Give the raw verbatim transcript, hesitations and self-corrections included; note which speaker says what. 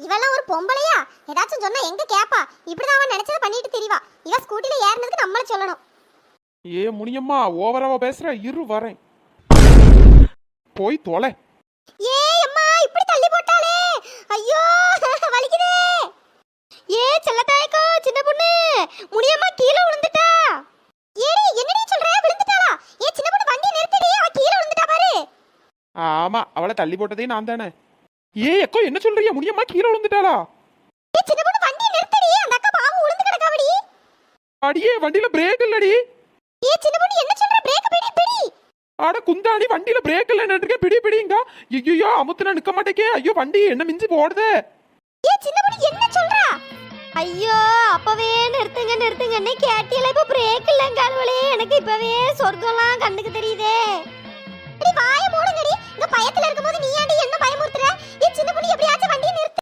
Speaker 1: இவெல்லாம் ஒரு பொம்பளையா? ஏதாச்சும் சொன்னா எங்க கேப்பா? இப்படிதான் அவன் நினைச்சத பண்ணிட்டு தெரியவா. இவ ஸ்கூட்டில ஏறினதுக்கு நம்மள சொல்லணும்.
Speaker 2: ஏ முனியம்மா, ஓவராவா பேசுற, இரு வரேன். போய் தொலை.
Speaker 1: ஏ அம்மா, இப்படி தள்ளி போட்டாலே. ஐயோ வலிக்குதே. ஏ செல்லத்தாயக்கோ, சின்ன பொண்ணு முனியம்மா கீழே விழுந்துட்டா. ஏடி என்னடி சொல்ற? விழுந்துட்டாளா? ஏ சின்ன பொண்ணு வண்டி நிறுத்துடி, அவ கீழே விழுந்துட்டா பாரு.
Speaker 2: ஆமா, அவளை தள்ளி போட்டதே நான் தானே. ஏ அக்கோ, என்ன சொல்றீங்க? முனியம்மா கீழே விழுந்துட்டாளா?
Speaker 1: ஏ சின்ன பொண்ணு வண்டி நிறுத்துடி, அந்த அக்கா பாவம் விழுந்து கிடக்காவடி.
Speaker 2: அடியே, வண்டியில பிரேக் இல்லடி.
Speaker 1: ஏ சின்ன பொண்ணு என்ன சொல்ற? பிரேக் பிடி பிடி.
Speaker 2: ஆட குந்தாணி, வண்டியில பிரேக் இல்லைன்னு பிடி பிடிங்க. ஐயோ, அமுத்துனா நிக்க மாட்டேக்கே. ஐயோ, வண்டி என்ன மிஞ்சி போடுதே.
Speaker 1: ஏ சின்ன பொண்ணு என்ன சொல்றா? ஐயோ, அப்பவே நிறுத்துங்க நிறுத்துங்கன்னு கேட்டியல, இப்ப பிரேக் இல்லங்கால்வளே. எனக்கு இப்பவே சொர்க்கம்லாம் கண்ணுக்கு தெரியுதே. வாய மூடுங்கடி. இந்த பயத்துல இருக்கும்போது நீ ஏன்டி என்ன பயமுறுத்துற? ஏ சின்ன பொண்ணு எப்படியாச்சும் வண்டியை நிறுத்து.